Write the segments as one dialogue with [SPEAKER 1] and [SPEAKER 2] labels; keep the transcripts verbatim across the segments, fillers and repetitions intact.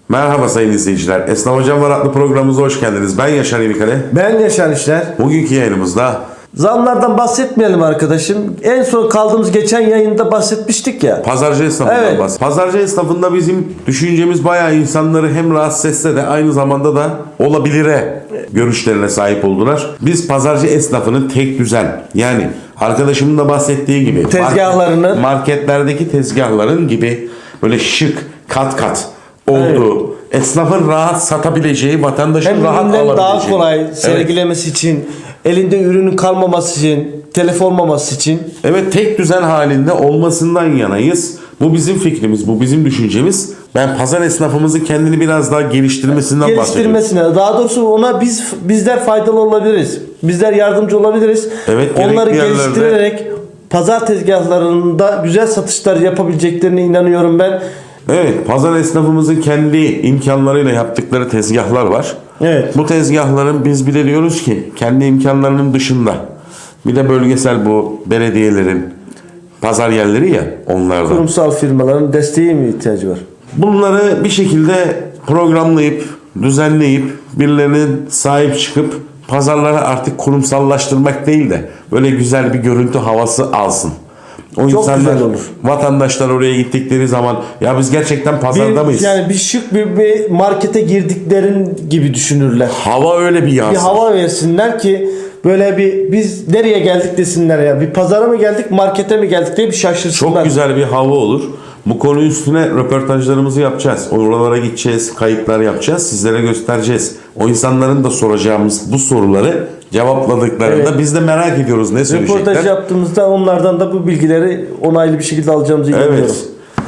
[SPEAKER 1] Merhaba sayın izleyiciler. Esnaf Hocam Var adlı programımıza hoş geldiniz. Ben Yaşar Yenikale.
[SPEAKER 2] Ben Yaşar İşler.
[SPEAKER 1] Bugünkü yayınımızda
[SPEAKER 2] Zamlardan bahsetmeyelim arkadaşım. En son kaldığımız geçen yayında bahsetmiştik ya.
[SPEAKER 1] pazarcı esnafından
[SPEAKER 2] Evet.
[SPEAKER 1] bahsediyoruz. Pazarcı esnafında bizim düşüncemiz bayağı insanları hem rahatsız etse de aynı zamanda da olabilire görüşlerine sahip oldular. Biz pazarcı esnafının tek düzen, yani arkadaşımın da bahsettiği gibi
[SPEAKER 2] Tezgahlarını-
[SPEAKER 1] marketlerdeki tezgahların gibi böyle şık kat kat olduğu, esnafın rahat satabileceği, vatandaşın
[SPEAKER 2] Hem
[SPEAKER 1] rahat
[SPEAKER 2] ürünleri
[SPEAKER 1] alabileceği.
[SPEAKER 2] daha kolay
[SPEAKER 1] Evet.
[SPEAKER 2] sergilemesi için, elinde ürünün kalmaması için, telef olmaması için.
[SPEAKER 1] Evet, tek düzen halinde olmasından yanayız. Bu bizim fikrimiz, bu bizim düşüncemiz. Ben pazar esnafımızın kendini biraz daha geliştirmesinden bahsediyorum.
[SPEAKER 2] Geliştirmesine, daha doğrusu ona biz bizler faydalı olabiliriz. Bizler yardımcı olabiliriz.
[SPEAKER 1] Evet,
[SPEAKER 2] Onları
[SPEAKER 1] gerekli yerlerde-
[SPEAKER 2] geliştirerek pazar tezgahlarında güzel satışlar yapabileceklerine inanıyorum ben.
[SPEAKER 1] Evet, pazar esnafımızın kendi imkanlarıyla yaptıkları tezgahlar var.
[SPEAKER 2] Evet.
[SPEAKER 1] Bu tezgahların biz bir de diyoruz ki kendi imkanlarının dışında bir de bölgesel bu belediyelerin pazar yerleri ya, onlardan.
[SPEAKER 2] Kurumsal firmaların desteği mi ihtiyacı var?
[SPEAKER 1] Bunları bir şekilde programlayıp, düzenleyip, birilerinin sahip çıkıp pazarlara artık kurumsallaştırmak değil de böyle güzel bir görüntü havası alsın. O
[SPEAKER 2] Çok
[SPEAKER 1] insanlar,
[SPEAKER 2] güzel olur.
[SPEAKER 1] vatandaşlar oraya gittikleri zaman ya biz gerçekten pazarda
[SPEAKER 2] Bir,
[SPEAKER 1] mıyız?
[SPEAKER 2] yani bir şık bir, bir markete girdiklerin gibi düşünürler.
[SPEAKER 1] Hava öyle bir
[SPEAKER 2] Bir
[SPEAKER 1] yansır.
[SPEAKER 2] hava versinler ki böyle bir biz nereye geldik desinler ya. Bir pazara mı geldik, markete mi geldik diye bir şaşırsınlar.
[SPEAKER 1] Çok güzel bir hava olur. Bu konu üstüne röportajlarımızı yapacağız. Oralara gideceğiz, kayıtlar yapacağız. Sizlere göstereceğiz. O insanların da soracağımız bu soruları cevapladıklarında
[SPEAKER 2] Evet.
[SPEAKER 1] biz de merak ediyoruz ne söyleyecekler.
[SPEAKER 2] Röportaj yaptığımızda onlardan da bu bilgileri onaylı bir şekilde alacağımızı inanıyorum.
[SPEAKER 1] Evet.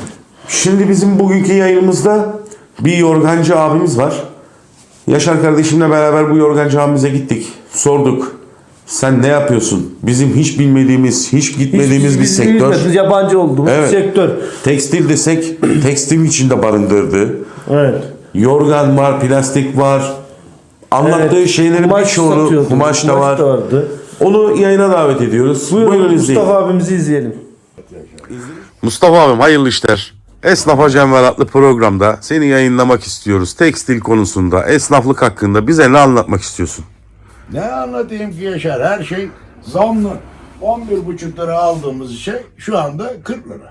[SPEAKER 1] Şimdi bizim bugünkü yayınımızda bir yorgancı abimiz var. Yaşar kardeşimle beraber bu yorgancı abimize gittik. Sorduk. Sen ne yapıyorsun? Bizim hiç bilmediğimiz, hiç gitmediğimiz
[SPEAKER 2] Hiç
[SPEAKER 1] bir
[SPEAKER 2] biz
[SPEAKER 1] sektör.
[SPEAKER 2] bilmediğimiz, yabancı olduğumuz
[SPEAKER 1] Evet.
[SPEAKER 2] bir sektör.
[SPEAKER 1] Tekstil desek tekstil içinde barındırdı.
[SPEAKER 2] Evet.
[SPEAKER 1] Yorgan var, plastik var. Anlattığı
[SPEAKER 2] Evet.
[SPEAKER 1] şeylerin
[SPEAKER 2] Kumaş
[SPEAKER 1] birçoğunu,
[SPEAKER 2] satıyordu.
[SPEAKER 1] kumaş da var.
[SPEAKER 2] vardı.
[SPEAKER 1] Onu yayına davet ediyoruz.
[SPEAKER 2] Buyurun,
[SPEAKER 1] Buyurun izleyin.
[SPEAKER 2] Mustafa abimizi izleyelim.
[SPEAKER 1] Mustafa abim hayırlı işler. Esnaf Hocam Var adlı programda seni yayınlamak istiyoruz. Tekstil konusunda, esnaflık hakkında bize ne anlatmak istiyorsun?
[SPEAKER 3] Ne anlatayım ki Yaşar? Her şey zamlı. on bir buçuk lira aldığımız şey şu anda kırk lira.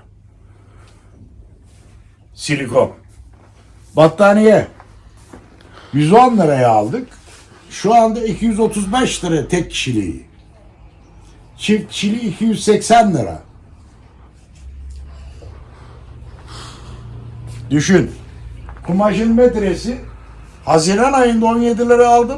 [SPEAKER 3] Silikon. Battaniye. yüz on liraya aldık. Şu anda iki yüz otuz beş lira tek kişiliği. Çift kişiliği iki yüz seksen lira. Düşün. Kumaşın metresi Haziran ayında on yedi lira aldım.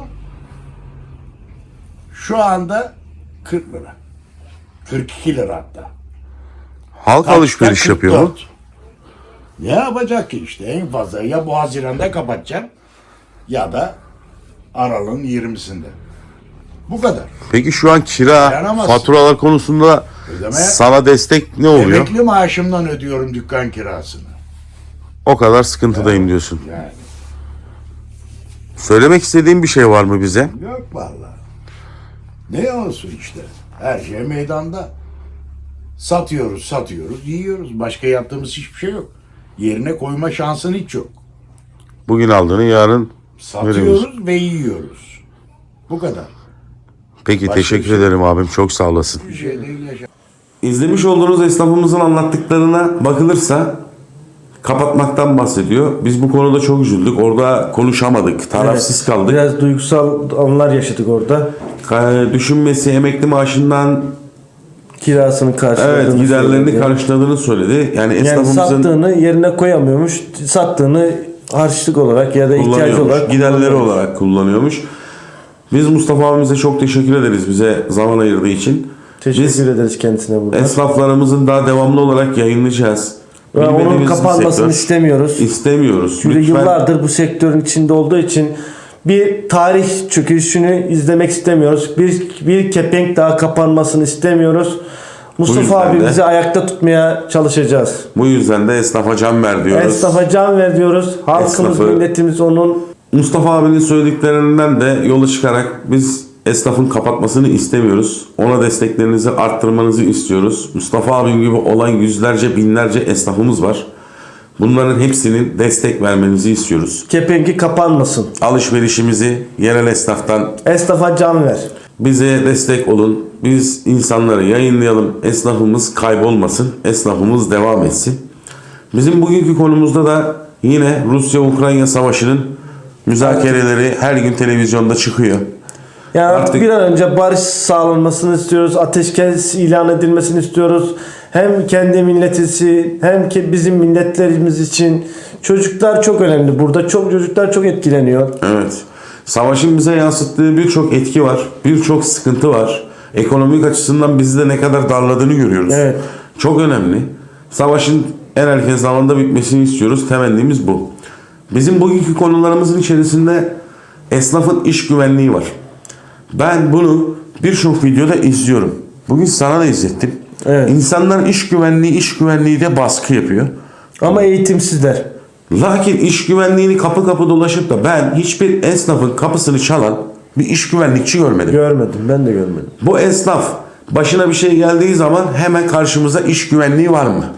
[SPEAKER 3] Şu anda kırk lira. kırk iki lira hatta.
[SPEAKER 1] Halk
[SPEAKER 3] Kaçta
[SPEAKER 1] alışveriş yapıyor mu?
[SPEAKER 3] kırk dört. Ne yapacak ki işte en fazla ya bu Haziran'da kapatacaksın ya da Aralık'ın yirmisinde. Bu kadar.
[SPEAKER 1] Peki şu an kira,
[SPEAKER 3] Dayanamazsın.
[SPEAKER 1] faturalar konusunda
[SPEAKER 3] Ödeme-
[SPEAKER 1] sana destek ne oluyor?
[SPEAKER 3] Emekli maaşımdan ödüyorum dükkan kirasını.
[SPEAKER 1] O kadar sıkıntıdayım diyorsun.
[SPEAKER 3] Yani
[SPEAKER 1] Söylemek istediğin bir şey var mı bize?
[SPEAKER 3] yok vallahi. Ne olsun işte. Her şey meydanda. Satıyoruz, satıyoruz, yiyoruz. Başka yaptığımız hiçbir şey yok. Yerine koyma şansın hiç yok.
[SPEAKER 1] Bugün aldığını yarın veriyoruz.
[SPEAKER 3] Satıyoruz ve yiyoruz. Bu kadar.
[SPEAKER 1] Peki
[SPEAKER 3] Başka
[SPEAKER 1] teşekkür
[SPEAKER 3] bir şey-
[SPEAKER 1] ederim abim. Çok sağ olasın.
[SPEAKER 3] Bir şey değil Yaşar.
[SPEAKER 1] İzlemiş olduğunuz esnafımızın anlattıklarına bakılırsa kapatmaktan bahsediyor. Biz bu konuda çok üzüldük. Orada konuşamadık. Tarafsız
[SPEAKER 2] Evet,
[SPEAKER 1] kaldık.
[SPEAKER 2] Biraz duygusal anlar yaşadık orada.
[SPEAKER 1] Ka- Düşünmesi emekli maaşından
[SPEAKER 2] Kirasını karşıladığını
[SPEAKER 1] evet giderlerini
[SPEAKER 2] söyledi.
[SPEAKER 1] karşıladığını söyledi. Yani
[SPEAKER 2] Yani
[SPEAKER 1] esnafımızın
[SPEAKER 2] sattığını yerine koyamıyormuş. Sattığını harçlık olarak ya da ihtiyacı
[SPEAKER 1] kullanıyormuş,
[SPEAKER 2] olarak
[SPEAKER 1] giderleri
[SPEAKER 2] kullanıyormuş.
[SPEAKER 1] olarak kullanıyormuş. Biz Mustafa abimize çok teşekkür ederiz bize zaman ayırdığı için.
[SPEAKER 2] Teşekkür
[SPEAKER 1] Biz
[SPEAKER 2] ederiz kendisine burada.
[SPEAKER 1] esnaflarımızın daha devamlı olarak yayınlayacağız.
[SPEAKER 2] Ve onun
[SPEAKER 1] Bilmediğimiz bir
[SPEAKER 2] kapanmasını
[SPEAKER 1] sektör.
[SPEAKER 2] istemiyoruz.
[SPEAKER 1] İstemiyoruz.
[SPEAKER 2] Çünkü
[SPEAKER 1] Lütfen
[SPEAKER 2] yıllardır bu sektörün içinde olduğu için bir tarih çöküşünü izlemek istemiyoruz. Bir, bir kepenk daha kapanmasını istemiyoruz. Mustafa
[SPEAKER 1] yüzden de-
[SPEAKER 2] abimizi ayakta tutmaya çalışacağız.
[SPEAKER 1] bu yüzden de esnafa can ver diyoruz.
[SPEAKER 2] Esnafa can ver diyoruz. Halkımız,
[SPEAKER 1] Esnafı-
[SPEAKER 2] milletimiz onun
[SPEAKER 1] Mustafa abinin söylediklerinden de yola çıkarak biz esnafın kapatmasını istemiyoruz. Ona desteklerinizi arttırmanızı istiyoruz. Mustafa abim gibi olan yüzlerce binlerce esnafımız var. Bunların hepsinin destek vermenizi istiyoruz.
[SPEAKER 2] Kepengi kapanmasın.
[SPEAKER 1] Alışverişimizi yerel esnaftan
[SPEAKER 2] Esnafa can ver.
[SPEAKER 1] bize destek olun. Biz insanları yayınlayalım. Esnafımız kaybolmasın. Esnafımız devam etsin. Bizim bugünkü konumuzda da yine Rusya-Ukrayna savaşının müzakereleri her gün televizyonda çıkıyor.
[SPEAKER 2] Yani
[SPEAKER 1] Artık-
[SPEAKER 2] bir an önce barış sağlanmasını istiyoruz. Ateşkes ilan edilmesini istiyoruz. Hem kendi milletisi hem ki bizim milletlerimiz için. Çocuklar çok önemli burada. Çok çocuklar çok etkileniyor.
[SPEAKER 1] Evet. Savaşın bize yansıttığı birçok etki var. Birçok sıkıntı var. Ekonomik açısından bizi de ne kadar darladığını görüyoruz.
[SPEAKER 2] Evet.
[SPEAKER 1] Çok önemli. Savaşın en erken zamanda bitmesini istiyoruz. Temennimiz bu. Bizim bugünkü konularımızın içerisinde esnafın iş güvenliği var. Ben bunu birçok videoda izliyorum. Bugün sana da izlettim.
[SPEAKER 2] Evet.
[SPEAKER 1] İnsanlar iş güvenliği, iş güvenliği de baskı yapıyor.
[SPEAKER 2] Ama eğitimsizler.
[SPEAKER 1] Lakin iş güvenliğini kapı kapı dolaşıp da ben hiçbir esnafın kapısını çalan bir iş güvenlikçi görmedim.
[SPEAKER 2] Görmedim. Ben de görmedim.
[SPEAKER 1] Bu esnaf başına bir şey geldiği zaman hemen karşımıza iş güvenliği var mı?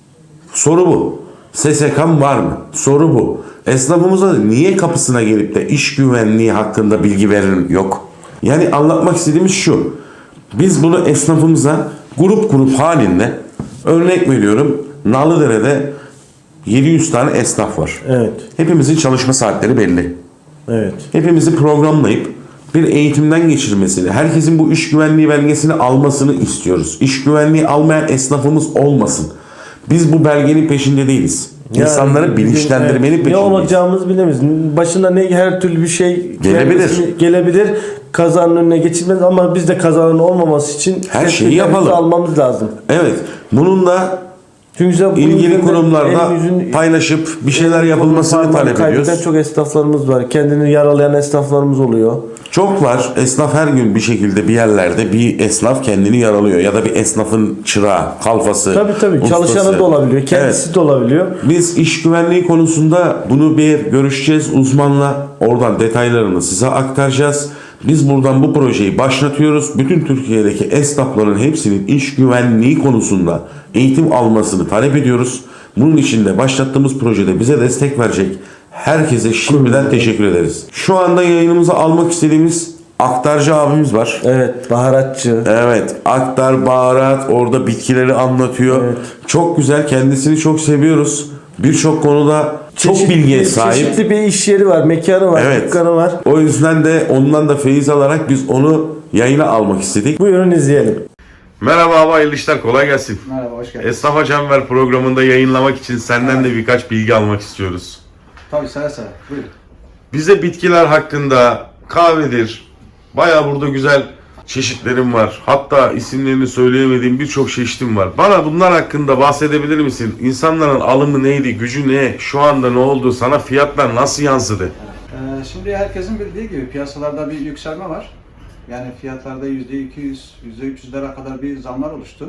[SPEAKER 1] Soru bu. S S K'm var mı? Soru bu. Esnafımıza niye kapısına gelip de iş güvenliği hakkında bilgi verin yok? Yani anlatmak istediğimiz şu. Biz bunu esnafımıza grup grup halinde örnek veriyorum. Nalıdere'de yedi yüz tane esnaf var.
[SPEAKER 2] Evet.
[SPEAKER 1] Hepimizin çalışma saatleri belli.
[SPEAKER 2] Evet.
[SPEAKER 1] Hepimizi programlayıp bir eğitimden geçirmesini, herkesin bu iş güvenliği belgesini almasını istiyoruz. İş güvenliği almayan esnafımız olmasın. Biz bu belgenin peşinde değiliz. İnsanları
[SPEAKER 2] Yani,
[SPEAKER 1] bilinçlendirmenin
[SPEAKER 2] evet, ne
[SPEAKER 1] peşindeyiz.
[SPEAKER 2] olacağımızı bilemeyiz. Başına ne her türlü bir şey
[SPEAKER 1] Gelebilir.
[SPEAKER 2] gelmesi- gelebilir. Kazanın önüne geçilmez ama biz de kazanın olmaması için
[SPEAKER 1] Her şeyi
[SPEAKER 2] tedbirlerimizi
[SPEAKER 1] yapalım.
[SPEAKER 2] almamız lazım.
[SPEAKER 1] Evet. Bunun da
[SPEAKER 2] Çünkü sen bunun
[SPEAKER 1] ilgili
[SPEAKER 2] üzerinden
[SPEAKER 1] kurumlarda
[SPEAKER 2] el yüzün-
[SPEAKER 1] paylaşıp bir şeyler yapılmasını
[SPEAKER 2] parmağını
[SPEAKER 1] talep
[SPEAKER 2] kaybeden
[SPEAKER 1] ediyoruz.
[SPEAKER 2] çok esnaflarımız var. Kendini yaralayan esnaflarımız oluyor.
[SPEAKER 1] Çok var. Esnaf her gün bir şekilde bir yerlerde bir esnaf kendini yaralıyor. Ya da bir esnafın çırağı, kalfası,
[SPEAKER 2] Tabii tabii.
[SPEAKER 1] ustası.
[SPEAKER 2] Çalışanı da olabiliyor. Kendisi
[SPEAKER 1] Evet.
[SPEAKER 2] de olabiliyor.
[SPEAKER 1] Biz iş güvenliği konusunda bunu bir görüşeceğiz uzmanla. Oradan detaylarını size aktaracağız. Biz buradan bu projeyi başlatıyoruz. Bütün Türkiye'deki esnafların hepsinin iş güvenliği konusunda eğitim almasını talep ediyoruz. Bunun için de başlattığımız projede bize destek verecek herkese şimdiden teşekkür ederiz. Şu anda yayınımıza almak istediğimiz aktarcı abimiz var.
[SPEAKER 2] Evet. Baharatçı.
[SPEAKER 1] Evet, aktar, baharat, orada bitkileri anlatıyor.
[SPEAKER 2] Evet.
[SPEAKER 1] Çok güzel, kendisini çok seviyoruz. Birçok konuda çok
[SPEAKER 2] Çeşitli-
[SPEAKER 1] bilgiye sahip.
[SPEAKER 2] Çeşitli bir iş yeri var. Mekanı var.
[SPEAKER 1] Evet.
[SPEAKER 2] Dükkanı var.
[SPEAKER 1] O yüzden de ondan da feyiz alarak biz onu yayına almak istedik.
[SPEAKER 2] Buyurun izleyelim.
[SPEAKER 1] Merhaba abi, hayırlı işler, kolay gelsin.
[SPEAKER 4] Merhaba, hoş geldin.
[SPEAKER 1] Esnaf Hocam Ver programında yayınlamak için senden de birkaç bilgi almak istiyoruz.
[SPEAKER 4] Tabii seve seve. Buyurun.
[SPEAKER 1] Bize bitkiler hakkında, kahvedir, bayağı burada güzel çeşitlerim var. Hatta isimlerini söyleyemediğim birçok çeşitim var. Bana bunlar hakkında bahsedebilir misin? İnsanların alımı neydi, gücü ne, şu anda ne oldu, sana fiyatlar nasıl yansıdı?
[SPEAKER 4] Ee, şimdi herkesin bildiği gibi piyasalarda bir yükselme var. Yani fiyatlarda yüzde iki yüz, yüzde üç yüzlere kadar bir zamlar oluştu.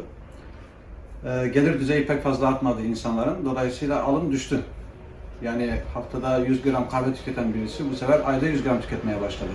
[SPEAKER 4] Ee, gelir düzeyi pek fazla artmadı insanların. Dolayısıyla alım düştü. Yani haftada yüz gram kahve tüketen birisi bu sefer ayda yüz gram tüketmeye başladı.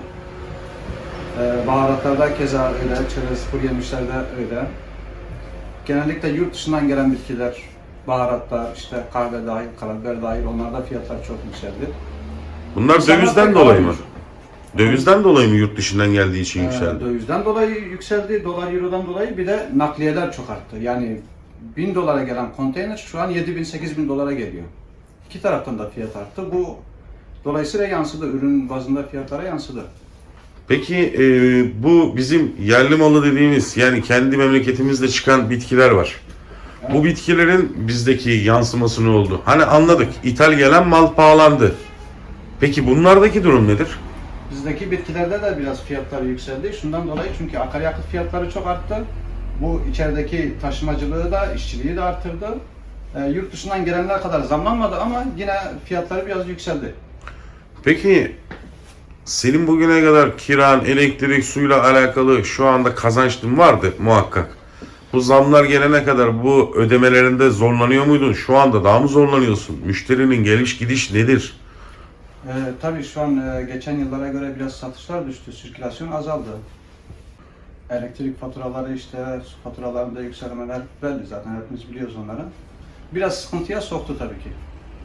[SPEAKER 4] Ee, baharatlarda keza öyle, çerez, kuru yemişlerde öyle. Genellikle yurt dışından gelen bitkiler, baharatlar, işte kahve dahil, karabiber dahil onlarda fiyatlar çok yükseldi.
[SPEAKER 1] Bunlar
[SPEAKER 4] İnsanlar
[SPEAKER 1] dövizden
[SPEAKER 4] pek
[SPEAKER 1] dolayı mı?
[SPEAKER 4] almıyor.
[SPEAKER 1] Dövizden dolayı mı yurt dışından geldiği için
[SPEAKER 4] Ee,
[SPEAKER 1] yükseldi?
[SPEAKER 4] Dövizden dolayı yükseldi, dolar eurodan dolayı bir de nakliyeler çok arttı. Yani bin dolara gelen konteyner şu an yedi bin sekiz bin dolara geliyor. İki taraftan da fiyat arttı. Bu dolayısıyla yansıdı, ürün bazında fiyatlara yansıdı.
[SPEAKER 1] Peki e, bu bizim yerli malı dediğimiz, yani kendi memleketimizde çıkan bitkiler var. Bu bitkilerin bizdeki yansıması ne oldu? Hani anladık, ithal gelen mal pahalandı. Peki bunlardaki durum nedir?
[SPEAKER 4] Bizdeki bitkilerde de biraz fiyatlar yükseldi. Şundan dolayı çünkü akaryakıt fiyatları çok arttı. Bu içerideki taşımacılığı da, işçiliği de artırdı. E, yurt dışından gelenler kadar zamlanmadı ama yine fiyatları biraz yükseldi.
[SPEAKER 1] Peki senin bugüne kadar kiran, elektrik, suyla alakalı şu anda kazançın vardı muhakkak. Bu zamlar gelene kadar bu ödemelerinde zorlanıyor muydun? Şu anda daha mı zorlanıyorsun? Müşterinin geliş gidiş nedir?
[SPEAKER 4] Ee, tabii şu an e, geçen yıllara göre biraz satışlar düştü, sirkülasyon azaldı. Elektrik faturaları işte, su faturalarında yükselmeler belli zaten hepimiz biliyoruz onları. Biraz sıkıntıya soktu tabii ki.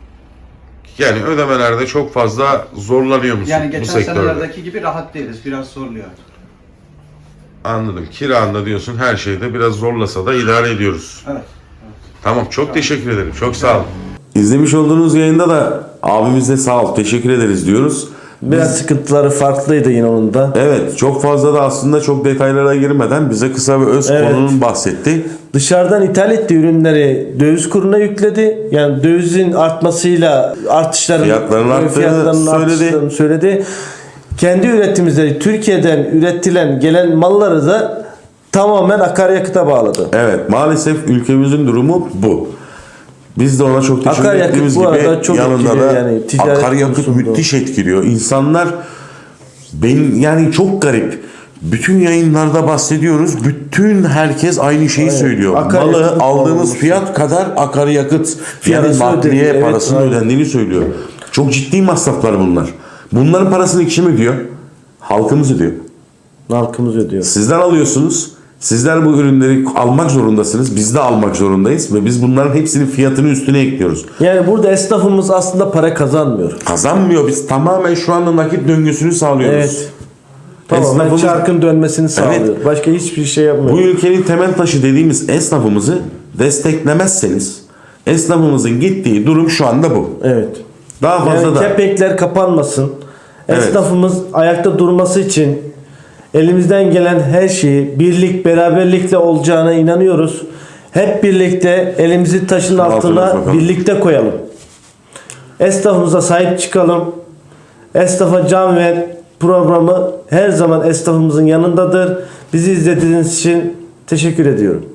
[SPEAKER 1] Yani ödemelerde çok fazla zorlanıyor musun
[SPEAKER 4] Yani
[SPEAKER 1] bu
[SPEAKER 4] geçen
[SPEAKER 1] sektörde?
[SPEAKER 4] senelerdeki gibi rahat değiliz. Biraz zorluyor.
[SPEAKER 1] Anladım. Kiranda diyorsun her şeyde biraz zorlasa da idare ediyoruz.
[SPEAKER 4] Evet.
[SPEAKER 1] Tamam, çok teşekkür ederim. Çok sağ olun. İzlemiş olduğunuz yayında da abimize sağ ol, teşekkür ederiz diyoruz.
[SPEAKER 2] Biraz sıkıntıları farklıydı yine onun da.
[SPEAKER 1] Evet, çok fazla da aslında çok detaylara girmeden bize kısa ve öz
[SPEAKER 2] Evet.
[SPEAKER 1] konunun bahsetti.
[SPEAKER 2] Dışarıdan ithal ettiği ürünleri döviz kuruna yükledi. Yani dövizin artmasıyla artışların
[SPEAKER 1] Fiyatların arttığını
[SPEAKER 2] fiyatlarının
[SPEAKER 1] söyledi.
[SPEAKER 2] artışlarını söyledi. Kendi üretimleri Türkiye'den üretilen gelen malları da tamamen akaryakıta bağladı.
[SPEAKER 1] Evet, maalesef ülkemizin durumu bu. Biz de ona çok teşekkür
[SPEAKER 2] Akaryakıt
[SPEAKER 1] ettiğimiz
[SPEAKER 2] bu
[SPEAKER 1] gibi
[SPEAKER 2] arada çok
[SPEAKER 1] yanında
[SPEAKER 2] etkiliyor
[SPEAKER 1] da
[SPEAKER 2] yani, ticaret
[SPEAKER 1] akaryakıt
[SPEAKER 2] konusunda.
[SPEAKER 1] müthiş etkiliyor. İnsanlar ben yani çok garip. Bütün yayınlarda bahsediyoruz. Bütün herkes aynı şeyi
[SPEAKER 2] Aynen.
[SPEAKER 1] söylüyor.
[SPEAKER 2] Akaryakıt
[SPEAKER 1] Malı aldığımız
[SPEAKER 2] olması.
[SPEAKER 1] fiyat kadar akaryakıt yani
[SPEAKER 2] Parası
[SPEAKER 1] nakliye
[SPEAKER 2] ödeniyor, evet,
[SPEAKER 1] parasının
[SPEAKER 2] aynen.
[SPEAKER 1] ödendiğini söylüyor. Çok ciddi masraflar bunlar. Bunların parasını kim ödüyor? Halkımız ödüyor.
[SPEAKER 2] Halkımız ödüyor.
[SPEAKER 1] Sizden alıyorsunuz. Sizler bu ürünleri almak zorundasınız. Biz de almak zorundayız ve biz bunların hepsinin fiyatını üstüne ekliyoruz.
[SPEAKER 2] Yani burada esnafımız aslında para kazanmıyor.
[SPEAKER 1] Kazanmıyor. Biz tamamen şu anda nakit döngüsünü sağlıyoruz.
[SPEAKER 2] Evet. Tamamen
[SPEAKER 1] Esnafımız-
[SPEAKER 2] çarkın dönmesini sağlıyor. Başka hiçbir şey yapmıyor.
[SPEAKER 1] Bu ülkenin temel taşı dediğimiz esnafımızı desteklemezseniz esnafımızın gittiği durum şu anda bu.
[SPEAKER 2] Evet.
[SPEAKER 1] Daha fazla
[SPEAKER 2] Yani
[SPEAKER 1] da
[SPEAKER 2] kepenkler kapanmasın.
[SPEAKER 1] Evet.
[SPEAKER 2] Esnafımız ayakta durması için elimizden gelen her şeyi birlik, beraberlikle olacağına inanıyoruz. Hep birlikte elimizi taşın
[SPEAKER 1] Altına
[SPEAKER 2] altına
[SPEAKER 1] bakalım.
[SPEAKER 2] birlikte koyalım. Esnafımıza sahip çıkalım. Esnafa can ver programı her zaman esnafımızın yanındadır. Bizi izlediğiniz için teşekkür ediyorum.